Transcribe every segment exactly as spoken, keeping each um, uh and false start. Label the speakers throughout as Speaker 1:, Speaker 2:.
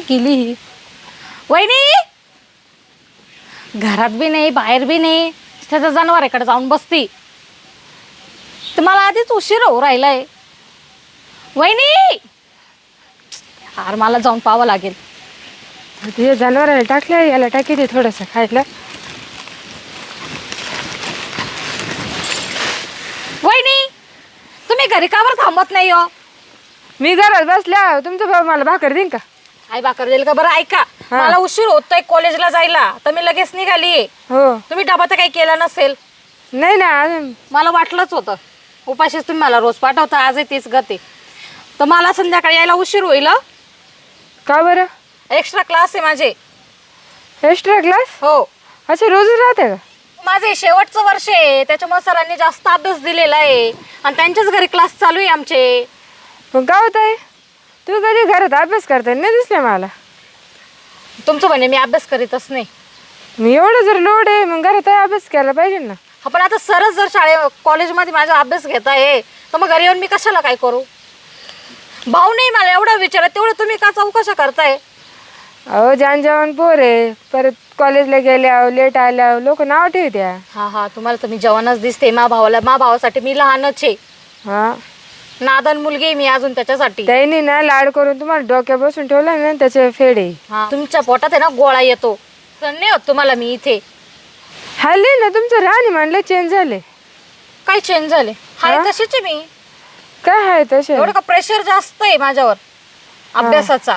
Speaker 1: गेली ही? वहिनी घरात बी नाही बाहेर बी नाही, त्याच्या जनावराकडे जाऊन बसती. तर मला आधीच उशीर होऊ राहिलाय. वहिनी यार मला जाऊन पाहावं लागेल.
Speaker 2: तुझ्या जनावराला टाकल्या याला टाकी दे थोडंसं खायला.
Speaker 1: वहिनी तुम्ही घरी का बरं थांबत नाही हो?
Speaker 2: मी घरात बसल्या तुमचा भाऊ मला भाकर देईन का?
Speaker 1: आई भाकर देईल का? बरं ऐका, मला उशीर होतोय कॉलेजला जायला, तर मी लगेच निघाली.
Speaker 2: हो.
Speaker 1: तुम्ही डबा तर काही केला नसेल?
Speaker 2: नाही ना अजून.
Speaker 1: मला वाटलंच होतं, उपाशीच तुम्ही मला रोज पाठवता, आजही तीच गती. तर मला संध्याकाळी यायला उशीर होईल.
Speaker 2: का बरं?
Speaker 1: एक्स्ट्रा क्लास आहे माझे.
Speaker 2: Extra class?
Speaker 1: हो.
Speaker 2: अच्छा रोजच राहते का?
Speaker 1: माझे शेवटचं वर्ष आहे, त्याच्यामुळे सरांनी जास्त अभ्यास दिलेला आहे आणि त्यांच्याच घरी क्लास चालू आहे आमचे.
Speaker 2: पण काय होत आहे, तू कधी घरात अभ्यास करता नाही दिसले मला.
Speaker 1: तुमचं म्हणे मी अभ्यास करीतच नाही.
Speaker 2: मी एवढं जर लोड आहे मग घरात अभ्यास केला पाहिजे ना.
Speaker 1: आपण आता सरच जर शाळे कॉलेजमध्ये माझा अभ्यास घेत आहे तर मग घरी येऊन मी कशाला काय करू? भाऊ नाही मला एवढं विचारत, तेवढं तुम्ही का चौकशा करताय?
Speaker 2: अहो जान जवान पोर आहे, परत कॉलेजला गेल्या लेट आल्या लोक नाव ठेवत्या.
Speaker 1: हा हा तुम्हाला तर मी जवानच दिसते. मा भावाला मा भावासाठी मी लहानच आहे.
Speaker 2: हा
Speaker 1: नादन मुलगी आहे मी अजून त्याच्यासाठी.
Speaker 2: त्यांनी ना लाड करून तुम्हाला डोक्या बसून ठेवला ना त्याचे फेडे.
Speaker 1: हा तुमच्या पोटात आहे ना गोळा येतो. सण नाही होत तुम्हाला मी इथे.
Speaker 2: हल्ली ना तुमचं राहणी म्हणलं चेंज झाले.
Speaker 1: काय चेंज झाले? हाय तशीच आहे मी.
Speaker 2: काय आहे तसे?
Speaker 1: एवढं का प्रेशर जास्त आहे माझ्यावर अभ्यासाचा,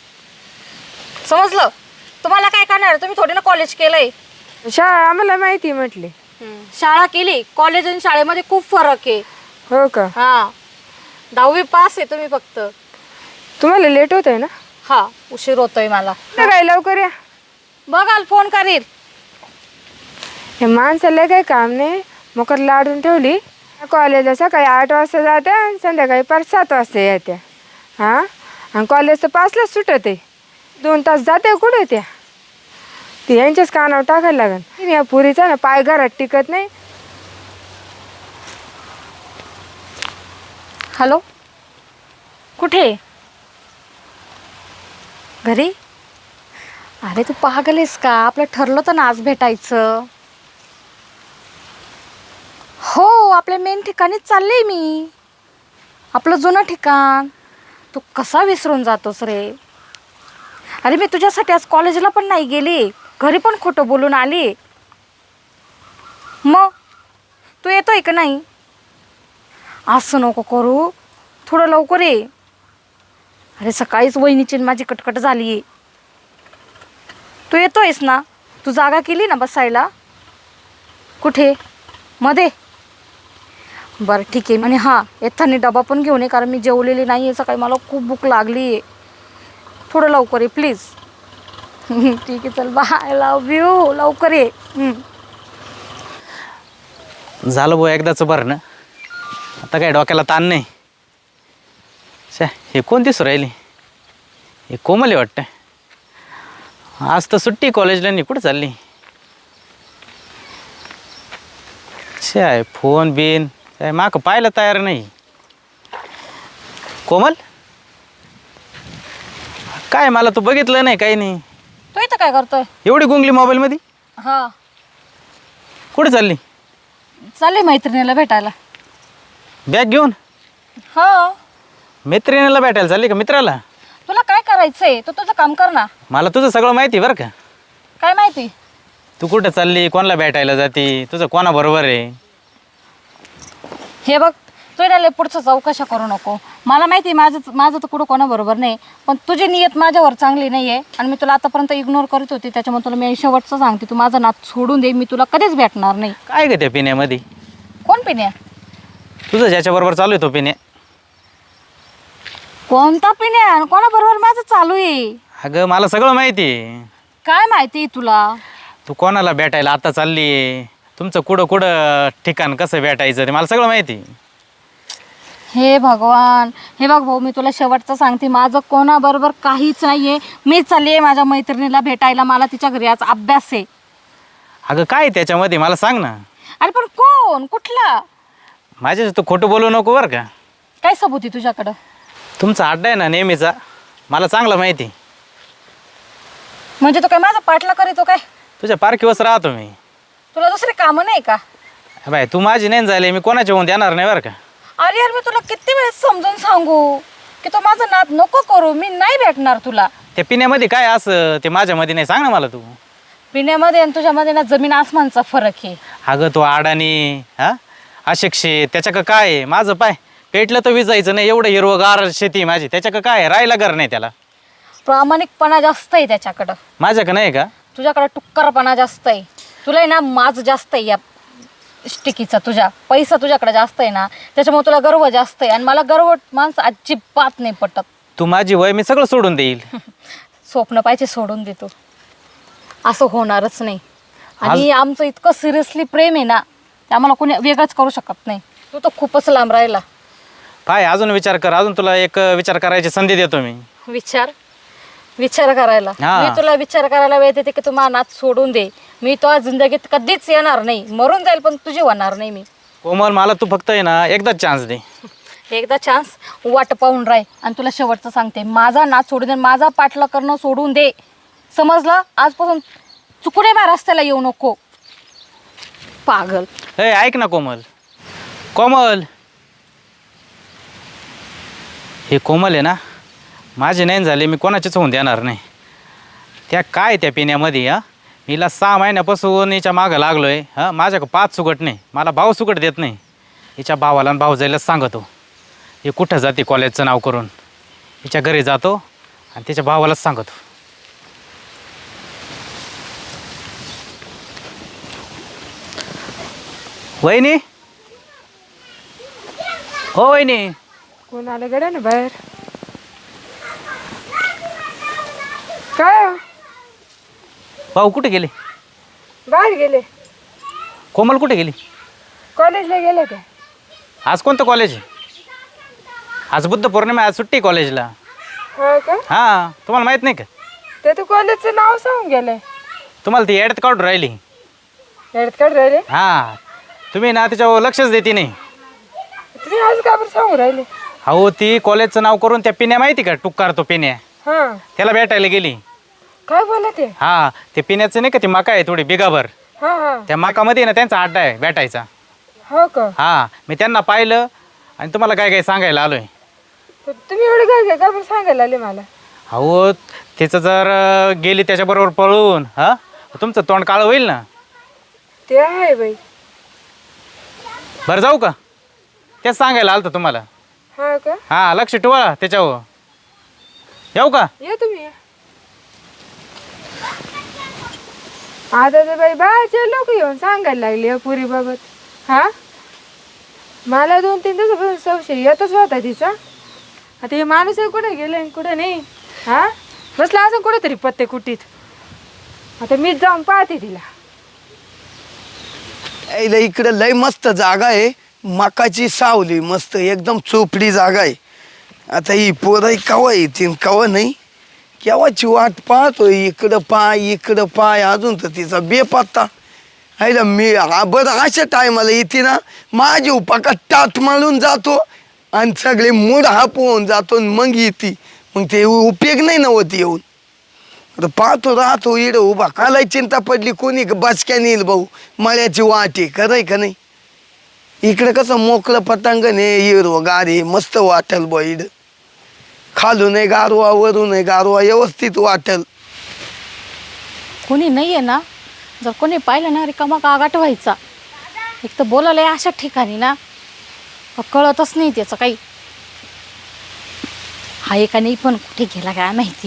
Speaker 1: समजलं? तुम्हाला काय करणार? तुम्ही थोडी ना कॉलेज केलंय.
Speaker 2: शाळा आम्हाला माहिती म्हटली.
Speaker 1: शाळा केली, कॉलेज आणि शाळेमध्ये खूप फरक आहे.
Speaker 2: हो का?
Speaker 1: हा दहावी पास आहे तुम्ही फक्त.
Speaker 2: तुम्हाला लेट होत आहे ना?
Speaker 1: हा उशीर होतोय मला.
Speaker 2: काय लवकर या.
Speaker 1: बघाल फोन करील.
Speaker 2: हे माणसाला काही काम नाही, मकर लाडून ठेवली. कॉलेजला सकाळी आठ वाजता जात्या आणि संध्याकाळी पाच सात वाजता येत्या. हां आणि कॉलेज तर पाचलाच सुटत आहे. दोन तास जाते कुठे त्या? ती यांच्याच कानावर टाकायला लागेल. या पुरीचा ना पाय घरात टिकत नाही.
Speaker 1: हॅलो कुठे? घरी? अरे तू पागल आहेस का? आपलं ठरलं तर ना आज भेटायचं. हो आपल्या मेन ठिकाणीच चालले मी, आपलं जुनं ठिकाण. तू कसा विसरून जातोस रे? अरे मी तुझ्यासाठी आज कॉलेजला पण नाही गेली, घरी पण खोटं बोलून आली. मग तू येतोय का नाही? असं नको करू, थोडं लवकर ये. अरे सकाळीच वहिनीची माझी कटकट झाली आहे. तू येतोयस ना? तू जागा केली ना बसायला? कुठे? मध्ये? बरं ठीक आहे. आणि हां येताना डबा पण घेऊन ये, कारण मी जेवलेली नाही आहे सकाळी, मला खूप भूक लागली आहे. थोडं लवकर ये प्लीज. ठीक आहे चल बाय, लव यू. लवकर ये.
Speaker 3: झालं भाऊ एकदाचं बरं ना, आता काय डोक्याला ताण नाही. शा हे कोण दिसू राहिली? हे कोमल वाटतं. आज तर सुट्टी कॉलेजला, नाही कुठं चालली? शा फोन बिन काय माक पाहायला तयार नाही. कोमल काय मला तू बघितलं नाही काही नाही.
Speaker 1: तू इथं काय करतोय?
Speaker 3: एवढी गुंगली मोबाईलमध्ये?
Speaker 1: हां
Speaker 3: कुठं चालली?
Speaker 1: चालले मैत्रिणीला भेटायला.
Speaker 3: बॅग घेऊन?
Speaker 1: हां.
Speaker 3: मैत्रिणीला भेटायला चालली का मित्राला?
Speaker 1: तुला काय करायचंय? तू तुझं काम कर ना.
Speaker 3: मला तुझं सगळं माहिती बरं का.
Speaker 1: काय माहिती?
Speaker 3: तू कुठं चालली, कोणाला भेटायला जाती, तुझं कोणाबरोबर आहे?
Speaker 1: हे बघ तू ना पुढचं चौकशा करू नको. मला माहिती आहे माझं माझं तर कुठं कोणाबरोबर नाही, पण तुझी नियत माझ्यावर चांगली नाही आहे आणि मी तुला आतापर्यंत इग्नोर करत होती. त्याच्यामुळे तुला मी शेवटचं सांगते, तू माझं नात सोडून दे. मी तुला कधीच भेटणार नाही.
Speaker 3: काय ग त्या पिण्यामध्ये?
Speaker 1: कोण पिण्या?
Speaker 3: तुझं ज्याच्याबरोबर चालू आहे तो पिण्या.
Speaker 1: कोणता पिण्या? कोणाबरोबर माझं चालू आहे?
Speaker 3: अगं मला सगळं माहिती आहे.
Speaker 1: काय माहिती आहे तुला?
Speaker 3: तू कोणाला भेटायला आता चालली आहे, तुमचं कुठं कुठं ठिकाण कसं भेटायचं ते मला सगळं माहिती आहे.
Speaker 1: हे भगवान, हे बघ भाऊ मी तुला शेवटचं सांगते, माझं कोणाबरोबर काहीच नाही आहे. मी चालली आहे माझ्या मैत्रिणीला भेटायला. मला तिच्या घरी आज अभ्यास आहे.
Speaker 3: अगं काय त्याच्यामध्ये मला सांग ना.
Speaker 1: अरे पण कोण? कुठला?
Speaker 3: माझ्या तू खोटं बोलू नको बरं का.
Speaker 1: काय सबूत आहे तुझ्याकडं?
Speaker 3: तुमचा अड्डा आहे ना नेहमीचा, मला चांगलं माहिती.
Speaker 1: म्हणजे तो काय माझा पाठला करीतो काय?
Speaker 3: तुझ्या पारखीवच राहतो मी.
Speaker 1: तुला दुसरे कामं नाही का?
Speaker 3: बाय तू माझी नाही झाली, मी कोणाची होऊन देणार नाही बरं का.
Speaker 1: अरे यार मी तुला किती वेळेस समजून सांगू की तो माझा नाद नको करू, मी नाही भेटणार तुला.
Speaker 3: त्या पिण्यामध्ये काय असं ते माझ्यामध्ये नाही, सांग ना मला तू.
Speaker 1: पिण्यामध्ये आणि तुझ्यामध्ये ना जमीन आसमानचा फरक आहे.
Speaker 3: अगं तो आडानी हा अशिक्षित त्याच्या का काय आहे? माझं पाय पेटलं तर विजायचं नाही, एवढं हिरवगार शेती आहे माझी, त्याच्या का काय आहे? राहायला घर नाही त्याला.
Speaker 1: प्रामाणिकपणा जास्त आहे त्याच्याकडं,
Speaker 3: माझ्या का नाही का?
Speaker 1: तुझ्याकडं टुक्करपणा जास्त आहे. तुला आहे ना माज जास्त आहे या स्टिकीचा, तुझ्या पैसा तुझ्याकडे जास्त आहे ना, त्याच्यामुळे तुला गर्व जास्त आहे. आणि मला गर्व माणसं अजिबात नाही पटत.
Speaker 3: तू माझी वय मी सगळं सोडून देईल.
Speaker 1: स्वप्न पाहिजे सोडून देतो, असं होणारच नाही. आणि आमचं इतकं सिरियसली प्रेम आहे ना, ते आम्हाला कोणी वेगळंच करू शकत नाही. तू तर खूपच लांब राहिला.
Speaker 3: पाय अजून विचार कर, अजून तुला एक विचार करायची संधी देतो मी.
Speaker 1: विचार विचार करायला
Speaker 3: हा.
Speaker 1: मी तुला विचार करायला वेळ देते की तू माझा नाद सोडून दे. मी तो जिंदगीत कधीच येणार नाही, मरून जाईल पण तुझी होणार नाही मी.
Speaker 3: कोमल मला तू फक्त आहे ना एकदाच चान्स दे.
Speaker 1: एकदा चान्स वाट पाहून राह. आणि तुला शेवटचं सांगते, माझा नाद सोडून दे, माझा पाठला करणं सोडून दे, समजलं? आजपासून चुकुने बा रस्त्याला येऊ नको, पागल.
Speaker 3: ए ऐक ना कोमल, कोमल हे कोमल आहे ना माझे नाही झाले, मी कोणाचेच होऊन देणार नाही. त्या काय त्या पिण्यामध्ये हा मीला सहा महिन्यापासून हिच्या मागं लागलो आहे. हां माझ्याकडं पाच सुगट नाही, मला भाव सुगट देत नाही. हिच्या भावाला आणि भाऊ जायलाच सांगतो हे कुठं जाते कॉलेजचं नाव करून. हिच्या घरी जातो आणि तिच्या भावालाच सांगतो. वहिनी, हो वहिनी.
Speaker 2: कोण आलं गड्या ना बाहेर? काय हो?
Speaker 3: भाऊ कुठे गेले?
Speaker 2: बाहेर गेले.
Speaker 3: कोमल कुठे गेली?
Speaker 2: कॉलेजला गेले ते.
Speaker 3: आज कोणतं कॉलेज आहे? आज बुद्ध पौर्णिमा, आज सुट्टी कॉलेजला.
Speaker 2: हो का?
Speaker 3: हां तुम्हाला माहीत नाही का?
Speaker 2: ते तर कॉलेजचं नाव सांगून गेलंय.
Speaker 3: तुम्हाला ती ॲडत काढून राहिली.
Speaker 2: येडत काढ राहिले
Speaker 3: हां तुम्ही ना त्याच्यावर लक्षच देते नाही.
Speaker 2: तुम्ही आज का बरं सांगू राहिले?
Speaker 3: अहो ती कॉलेजचं नाव करून त्या पिण्या माहिती का, टुक्कार तो पिण्या,
Speaker 2: हां
Speaker 3: त्याला भेटायला गेली.
Speaker 2: काय बोला ते?
Speaker 3: हां ते पिण्याचं नाही का, ती मका आहे थोडी बिगाभर,
Speaker 2: हां हां
Speaker 3: त्या मकामध्ये ना त्यांचा अड्डा आहे भेटायचा.
Speaker 2: हो का?
Speaker 3: हां मी त्यांना पाहिलं आणि तुम्हाला काय काय सांगायला आलोय.
Speaker 2: तर तुम्ही एवढं काय काय का बरं सांगायला आले मला?
Speaker 3: अहो तिचं जर अं, गेली त्याच्याबरोबर पळून हां तुमचं तोंड काळं होईल ना.
Speaker 2: ते आहे बाई.
Speaker 3: बरं जाऊ का? तेच सांगायला आलं होतं तुम्हाला.
Speaker 2: हा का?
Speaker 3: हां लक्ष ठेवा त्याच्यावर. येऊ का?
Speaker 2: या तुम्ही. आता तर बाई बाहेरचे लोक येऊन सांगायला लागले या पुरी बाबत. हा मला दोन तीन दिवसापासून संशय येतच होता तिचा. आता हे माणूस कुठे गेले आणि कुठे नाही. हा बसला असं कुठेतरी पत्ते कुटीत. आता मीच जाऊन पाहते तिला.
Speaker 4: यायला इकडे लय मस्त जागा आहे, मकाची सावली मस्त एकदम चोपडी जागा आहे. आता ही पोरं कवा येतील कवा नाही, केव्हाची वाट पाहतोय. इकडं पाय इकडं पाय, अजून तर तिचा बेपत्ता. आईला मी हा बरं अशा टायमाला येते ना, माझी उपाका टाट मारून जातो आणि सगळे मूड हापवून जातो आणि मग येते. मग ते उपयोग नाही नव्हती येऊन. आता पाहतो राहतो इडं उभा, कालाय चिंता पडली कोणी बसक्या नेईल भाऊ, मळ्याची वाट आहे खरंय का नाही. इकडं कसं मोकळं पटांगण आहे, हिरवं गार आहे, मस्त वाटेल बा इडं. खालून आहे गारवा वरून आहे गारवा, व्यवस्थित वाटेल.
Speaker 1: कोणी नाही आहे ना, जर कोणी पाहिलं ना रिकामा गागाट व्हायचा. एक तर बोलायला अशा ठिकाणी ना कळतच नाही त्याचं काही. हा एका नाही पण कुठे गेला काय माहिती.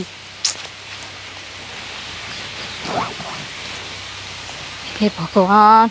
Speaker 1: हे भगवान,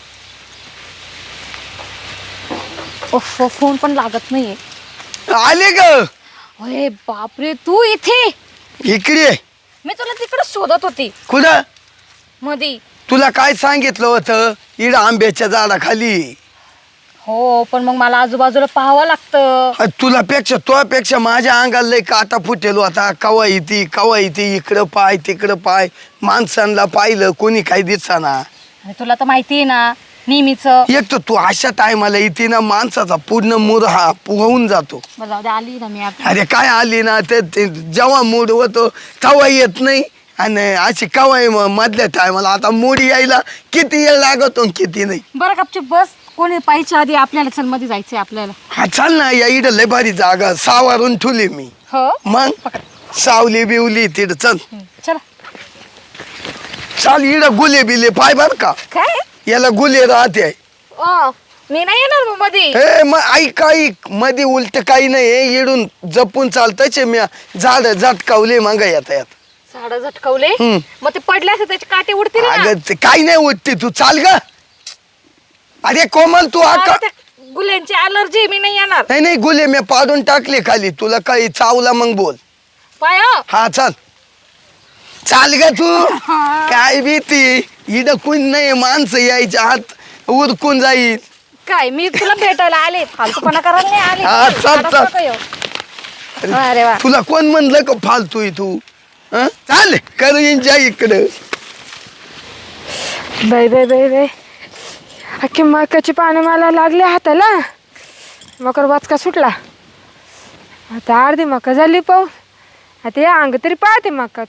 Speaker 1: ओफ फोन पण लागत नाहीये.
Speaker 4: आले ग?
Speaker 1: अरे बापरे, तू इथे?
Speaker 4: इकडे
Speaker 1: मी तुला तिकडे शोधत होती
Speaker 4: कुठं?
Speaker 1: मधी.
Speaker 4: तुला काय सांगितलं होतं? इड आंब्याच्या झाडाखाली.
Speaker 1: हो पण मग मला आजूबाजूला पाहावं लागतं.
Speaker 4: अ, तुला पेक्षा तुझ्यापेक्षा माझ्या अंगाला लय काटा फुटेल होता. कवा येते कवा येते, इकडं पाय तिकडं पाय, माणसांना पाहिलं कोणी काही दिसना.
Speaker 1: अरे तुला तर माहिती आहे ना नेहमीच.
Speaker 4: एक तर तू अशा टायमाला येते ना, माणसाचा पूर्ण मूड हा होऊन जातो.
Speaker 1: बरं जाऊ दे, आली ना मी आता.
Speaker 4: अरे काय आली ना ते ते जेव्हा मूड होतो तेव्हा येत नाही आणि अशी कवाय मधल्या टायमाला आता मोडी यायला किती वेळ लागतो आणि किती नाही.
Speaker 1: बरं गपचूप बस. कोणी पाहिजे आधी आपल्याला चल मध्ये जायचंय आपल्याला.
Speaker 4: हा चाल ना, या इकडं लय भारी जागा सावारून ठुली मी.
Speaker 1: हो
Speaker 4: मग सावली बिवली तिथं चल.
Speaker 1: चला.
Speaker 4: चाल इकडं गुले बिले पाय बर का,
Speaker 1: काय
Speaker 4: याला गुले राहते.
Speaker 1: ओ मी नाही येणार मग मध्ये.
Speaker 4: हे मग ऐक ऐक मध्ये उलट काही नाही, इडून जपून चालताच मी झाड झटकावले मागा येता येत.
Speaker 1: झाड झटकवले
Speaker 4: हम्म.
Speaker 1: मग ते पडले असते त्याचे काटे उडतील ना.
Speaker 4: अगं ते काही नाही उठते, तू चाल ग. अरे कोमल तू
Speaker 1: मला
Speaker 4: आका
Speaker 1: त्या गुल्यांची अलर्जी, मी नाही येणार.
Speaker 4: नाही नाही गुले मी पाडून टाकले खाली, तुला काही चावला मग बोल.
Speaker 1: पाय
Speaker 4: हा चाल चाल ग तू. काय भीती, इड कोण नाही, माणसं यायच्या हात उरकून जाईल.
Speaker 1: काय मी तुला भेटायला आले, फालतूपणा करायला नाही आले.
Speaker 4: हा, चल,
Speaker 1: आता
Speaker 4: चल.
Speaker 1: नको येऊ. अरे वा.
Speaker 4: तुला कोण म्हणलं का फालतू आहे तू? हं? चाल करू एन्जॉय इकडं.
Speaker 2: बाय बाय बाय बाय, अख्खी मकाची पानं मला लागले हाताला. मकर वाचका सुटला. आता अर्धी मका झाली पाहू. आता या अंग तरी पाहते मकात.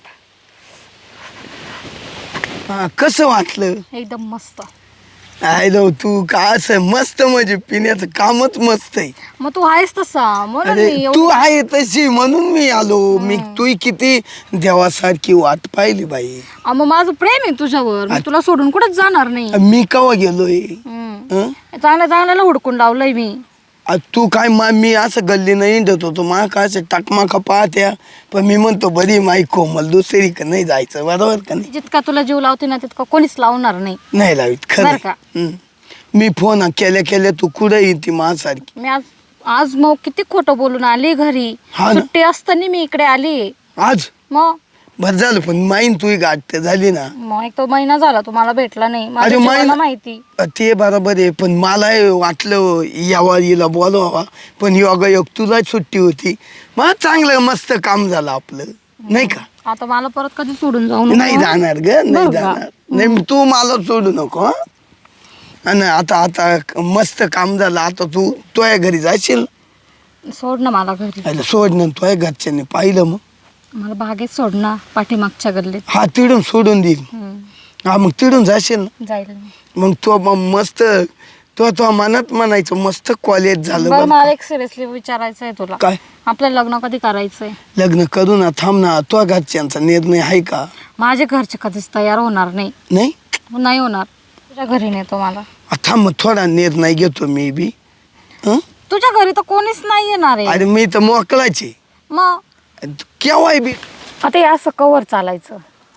Speaker 4: हा, कसं वाटलं?
Speaker 1: एकदम मस्त.
Speaker 4: आय लो तू का असं मस्त, म्हणजे पिण्याचं कामच मस्त आहे.
Speaker 1: मग तू आहेस तसा म्हणून
Speaker 4: अरे
Speaker 1: मी
Speaker 4: तू
Speaker 1: एवढं-
Speaker 4: आहे तशी म्हणून मी आलो. मी तू किती देवासारखी वाट पाहिली बाई.
Speaker 1: अं, मग माझं प्रेम आहे तुझ्यावर, मी तुला सोडून कुठेच जाणार नाही.
Speaker 4: मी कवा गेलोय?
Speaker 1: हम्म.
Speaker 4: हं?
Speaker 1: चांगल्या चांगल्याला हुडकून लावलंय मी.
Speaker 4: आ, तू काय मा मी असं गल्ली नाही हिंडत होतो, मा का असं टाकमाका पाहत्या, पण मी म्हणतो बरी माई कोमल दुसरी का नाही जायचं, बरोबर का नाही?
Speaker 1: जितका तुला जीव लावते ना तितका कोणीच लावणार नाही.
Speaker 4: नाही लावित खरं
Speaker 1: बरं का?
Speaker 4: हं. मी फोन केल्या केल्या तू कुठे येते माझ्यासारखी?
Speaker 1: मी आज आज मग किती खोटं बोलून आली घरी.
Speaker 4: हा ना.
Speaker 1: सुट्टी असताना मी इकडे आली.
Speaker 4: आज
Speaker 1: मग
Speaker 4: बरं झालं, पण माईन तू गाठ झाली ना.
Speaker 1: मग एक तो महिना झाला तुम्हाला भेटला नाही.
Speaker 4: अरे
Speaker 1: माझ्या
Speaker 4: महिना-
Speaker 1: जीवाला माहिती.
Speaker 4: ते बरोबर आहे, पण मला वाटलं यावा हिला बोलवावा, पण योगा योग तुला सुट्टी होती. मग चांगलं मस्त काम झालं आपलं, नाही का?
Speaker 1: आता मला परत कधी सोडून जाऊ नको.
Speaker 4: नाही जाणार ग, नाही
Speaker 1: बरं का?
Speaker 4: जाणार. नाही तू मला सोडू नको हं? आणि आता आता मस्त काम झालं. आता तू तुझ्या घरी जाशील.
Speaker 1: सोड ना मला घरी.
Speaker 4: अरे सोड ना, तुझ्या घरच्यांनी पाहिलं मग.
Speaker 1: मला बागेत सोड ना, पाठीमागच्या गल्लीत.
Speaker 4: हा तिडून सोडून देईल.
Speaker 1: हम्म.
Speaker 4: हा मग तिडून जाशील ना.
Speaker 1: जाईल मी.
Speaker 4: मग तो मग मस्त तो तो मनात म्हणायचं मस्त कॉलेज झालं
Speaker 1: बरं
Speaker 4: बरं.
Speaker 1: मला एक सिरियसली विचारायचं आहे तुला.
Speaker 4: काय?
Speaker 1: आपलं लग्न कधी करायचंय?
Speaker 4: लग्न करू ना, थांब ना. तो घरच्यांचा निर्णय आहे का?
Speaker 1: माझे घरचे कधीच तयार होणार नाही.
Speaker 4: नाही
Speaker 1: नाही होणार. तुझ्या घरी नेतो मला.
Speaker 4: आ, थांब मग थोडा निर्णय घेतो मी बी. हं?
Speaker 1: तुझ्या घरी तर कोणीच नाही येणार आहे.
Speaker 4: अरे मी तर मोकळाचे
Speaker 1: मग
Speaker 4: केव्हाय बी.
Speaker 1: आता हे असं कवर चालायचं.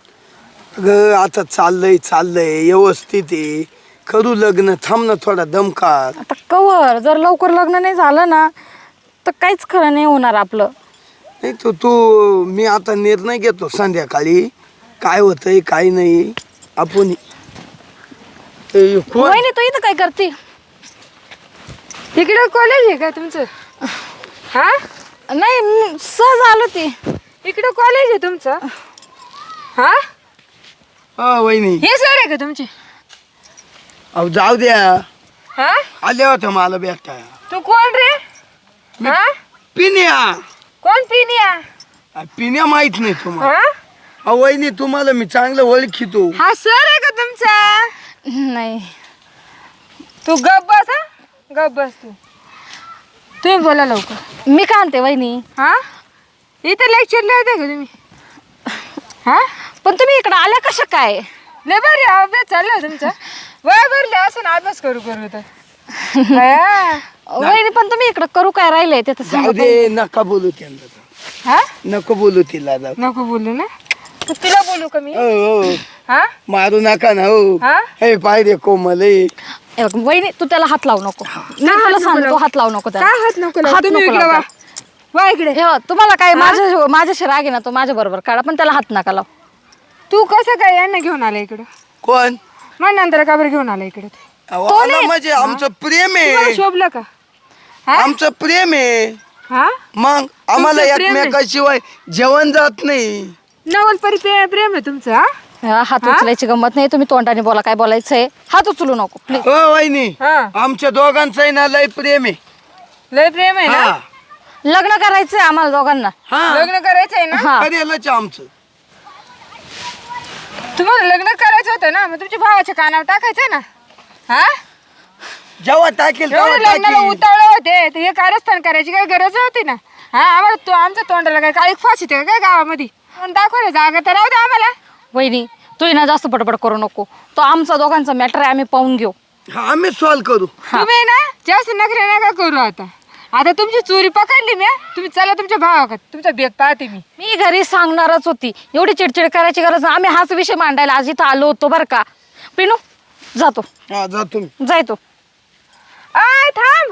Speaker 4: ग आता चाललंय चाललंय व्यवस्थित आहे. करू लग्न, थांब ना थोडा दमकार.
Speaker 1: आता कवर जर लवकर लग्न नाही झालं ना तर काहीच खरं नाही होणार आपलं.
Speaker 4: नाही तो तू मी आता निर्णय घेतो संध्याकाळी, काय होतंय काय नाही. आपण ए, कोण?
Speaker 1: वहिनी तू इथं काय करते?
Speaker 2: इकडे कॉलेज आहे का तुमचं? हा,
Speaker 1: नाही मी सहज आलो ती.
Speaker 2: इकडे कॉलेज आहे तुमचं? हा,
Speaker 4: हा वहिनी,
Speaker 2: हे सर आहे का तुमचे?
Speaker 4: अहो जाऊ द्या,
Speaker 2: हा,
Speaker 4: आल्या होत्या मला भेटा.
Speaker 2: तू कोण रे? हा,
Speaker 4: पिण्या.
Speaker 2: कोण पिनिया?
Speaker 4: आ, पिण्या माहित नाही तुम्हाला?
Speaker 2: हा,
Speaker 4: अहो वहिनी तुम्हाला मी चांगलं ओळखीतो.
Speaker 2: हा सर आहे का तुमचा?
Speaker 1: नाही.
Speaker 2: तू गप बस. हा, गप बस तू. तुम्ही बोला लवकर.
Speaker 1: मी का आणते वहिनी?
Speaker 2: हा, इथे लेक्चरला येते का तुम्ही? हा,
Speaker 1: पण तुम्ही इकडे आल्या कशा काय?
Speaker 2: लय बरं अभ्यास चालला तुमचा. वय भरले असं ना अभ्यास करू करू तर. हा,
Speaker 1: वहिनी पण तुम्ही इकडे करू काय राहिले ते तर
Speaker 4: जाऊ
Speaker 1: सांगा
Speaker 4: दे, नका बोलू त्यांना.
Speaker 2: हा,
Speaker 4: नको बोलू तिला. जाऊ.
Speaker 2: नको बोलू ना. तू तिला बोलू का मी?
Speaker 4: हो हो,
Speaker 2: हा,
Speaker 4: मारू नका ना हो.
Speaker 2: हा?
Speaker 4: हे पाय रे कोमल हे.
Speaker 1: हे बघ, वहिनी तू त्याला हात लावू नको. मी
Speaker 2: हात
Speaker 1: तुला
Speaker 2: नको
Speaker 1: सांगतो
Speaker 2: लावू.
Speaker 1: हात लावू नको त्याला.
Speaker 2: काय हात नको लावू?
Speaker 1: हात
Speaker 2: तुम्ही
Speaker 1: नको
Speaker 2: इकडे वा.
Speaker 1: लावू.
Speaker 2: वा इकडे.
Speaker 1: हे बघ, तुम्हाला काय माझ्या माझ्याशी राग आहे ना तो माझ्या बरोबर काढा, पण त्याला हात नका लावू.
Speaker 2: तू कसं काय यांना घेऊन आला इकडं?
Speaker 4: कोण?
Speaker 2: मग नंतर का बरं घेऊन आला इकडे?
Speaker 4: अहो, आला म्हणजे आमचं प्रेम
Speaker 2: तुम्हाला
Speaker 4: आहे.
Speaker 2: शोभलं का?
Speaker 4: आमचं प्रेम आहे.
Speaker 2: हा,
Speaker 4: मग आम्हाला
Speaker 2: तुमचं प्रेम आहे?
Speaker 4: एकमेकाशिवाय जेवण जात नाही.
Speaker 2: नवल परी प्रे- प्रेम आहे तुमचं? हा?
Speaker 1: हा, हात उचलायची गंमत नाही. तुम्ही तोंडाने बोला काय बोलायचंय. हात उचलू नको प्लीज.
Speaker 4: हो वहिनी,
Speaker 2: हा,
Speaker 4: आमच्या दोघांचं आहे ना लय प्रेम आहे.
Speaker 2: लय प्रेम आहे ना?
Speaker 4: हा
Speaker 1: लग्न करायचंय आम्हाला दोघांना.
Speaker 4: हा,
Speaker 2: लग्न करायचंय ना?
Speaker 1: हा.
Speaker 4: करेलच आमचं.
Speaker 2: तुम्हाला लग्न करायचं होतं ना, मग तुमच्या भावाच्या कानावर टाकायचं ना. हा
Speaker 4: जेव्हा टाकेल तेव्हा
Speaker 2: एवढे लग्नाला
Speaker 4: टाकेल.
Speaker 2: उतावळे होते तर हे कारस्थान करायची काही गरज होती ना. हा आम्हाला तो आमच्या तोंडाला काय काळी फाशी काय गावामध्ये तोंड दाखवायला जागा तर राहू दे आम्हाला.
Speaker 1: वहिनी तू ना जास्त बडबड करू नको. तो आमचा दोघांचा मॅटर आहे, आम्ही पाहून घेऊ.
Speaker 4: हा, आम्ही सॉल्व करू.
Speaker 2: तुम्ही ना जास्त नखरे नका करू. आता आता तुमची चोरी पकडली मी. तुम्ही चला तुमच्या भावाकडे, तुमचा बेत पाहते मी.
Speaker 1: मी घरी सांगणारच होती, एवढी चिडचिड करायची गरज नाही. आम्ही हाच विषय मांडायला आज इथं आलो होतो बरं का. पिनू जातो,
Speaker 4: हा जा तुम्ही.
Speaker 1: जाय तू.
Speaker 2: आय थांब.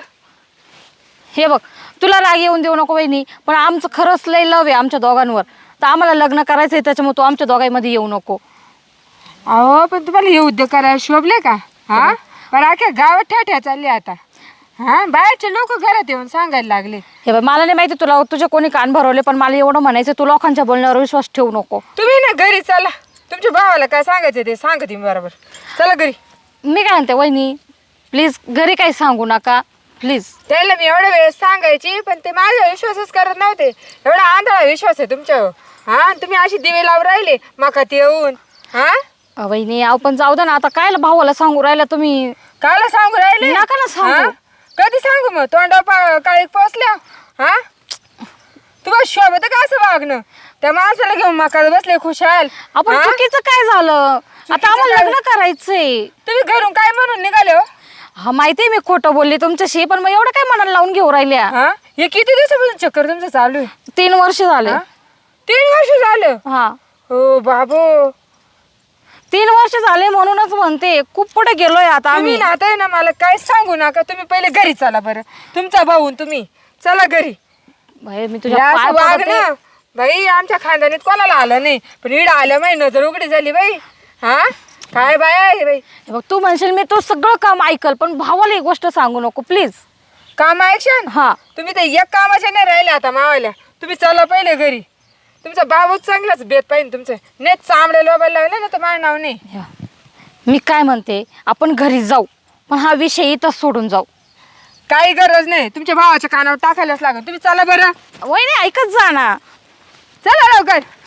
Speaker 1: हे बघ, तुला राग येऊन देऊ नको वहिनी, पण आमचं खरंच लय लव आहे आमच्या दोघांवर. तर आम्हाला लग्न करायचं आहे, त्याच्यामुळे तू आमच्या दोघांमध्ये येऊ नको.
Speaker 2: अहो पण तुम्हाला हे उद्योग करायला शोभले का? हा पण अख्या गावात ठ्याठ्या चालली आता. हा बाहेरचे लोक घरात येऊन सांगायला लागले.
Speaker 1: हे बघ, मला नाही माहिती तुला तुझे कोणी कान भरवले, पण मला एवढं म्हणायचं, तू लोकांच्या बोलण्यावर विश्वास ठेवू नको.
Speaker 2: तुम्ही ना घरी चला, तुमच्या भावाला काय सांगायचं ते सांगते मी बरोबर. चला घरी.
Speaker 1: मी काय म्हणते वहिनी, प्लीज घरी काही सांगू नका प्लीज.
Speaker 2: त्याला मी एवढ्या वेळेस सांगायची पण ते माझा विश्वासच करत नव्हते. एवढा आंधळा विश्वास आहे तुमच्यावर. हा तुम्ही अशी दिवे लावून राहिले मकात येऊन. हा
Speaker 1: अ, वहिनी अहो पण जाऊ दे ना, आता काय भावाला सांगू राहिला तुम्ही?
Speaker 2: कायला सांगू राहिले?
Speaker 1: नका ना सांगू.
Speaker 2: हा? कधी सांगू मग तोंडा काळी पोचल्या. हा तुम्हाला शोभत का असं वागणं? त्या माणसाला घेऊन मकात बसले खुशाल.
Speaker 1: आपण
Speaker 2: हा?
Speaker 1: चुकीचं काय झालं? आता
Speaker 2: चुकीचं
Speaker 1: आम्हाला
Speaker 2: काय?
Speaker 1: लग्न करायचंय.
Speaker 2: तुम्ही घरून काय म्हणून निघाले हो?
Speaker 1: हा माहितीये मी खोटं बोलले तुमच्याशी, पण मग एवढं काय मनाला लावून घेऊ राहिल्या?
Speaker 2: हा हे किती दिवसापासून चक्कर तुमचं चालू आहे?
Speaker 1: तीन वर्ष झाले.
Speaker 2: हा? तीन वर्ष झालं?
Speaker 1: हा
Speaker 2: हो बाबू
Speaker 1: तीन वर्ष झाले म्हणूनच म्हणते, खूप पुढे गेलोय आता
Speaker 2: तुम्ही
Speaker 1: आम्ही.
Speaker 2: ना आता आहे ना मला काय सांगू नका. तुम्ही पहिले घरी चला बरं. तुमचा भाऊ आणि तुम्ही चला घरी.
Speaker 1: बाई, मी
Speaker 2: हे
Speaker 1: तुझ्या
Speaker 2: असं
Speaker 1: पाय
Speaker 2: वाग
Speaker 1: पडते.
Speaker 2: ना बाई. आमच्या खानदानीत कोणाला आलं नाही पण इड आलं माही नजर उघडी झाली बाई. हा काय बाय आहे बाई.
Speaker 1: हे बघ, तू म्हणशील मी तो सगळं काम ऐकल, पण भावाला एक गोष्ट सांगू नको प्लीज.
Speaker 2: काम ऐकशन.
Speaker 1: हा
Speaker 2: तुम्ही तर एक कामाच्या नाही राहिले आता मावाल्या. तुम्ही चला पहिले घरी. तुमचा बाबूच चांगलाच बेत पाहिजे तुमचं. नेट चांबडे लोबायला लावले ना तर माझं नाव नाही.
Speaker 1: या. मी काय म्हणते, आपण घरी जाऊ, पण हा विषय इथंच सोडून जाऊ.
Speaker 2: काही गरज नाही. तुमच्या भावाच्या कानावर टाकायलाच लागेल. तुम्ही चला बरं.
Speaker 1: वहिनी ऐकत जा ना.
Speaker 2: चला लवकर.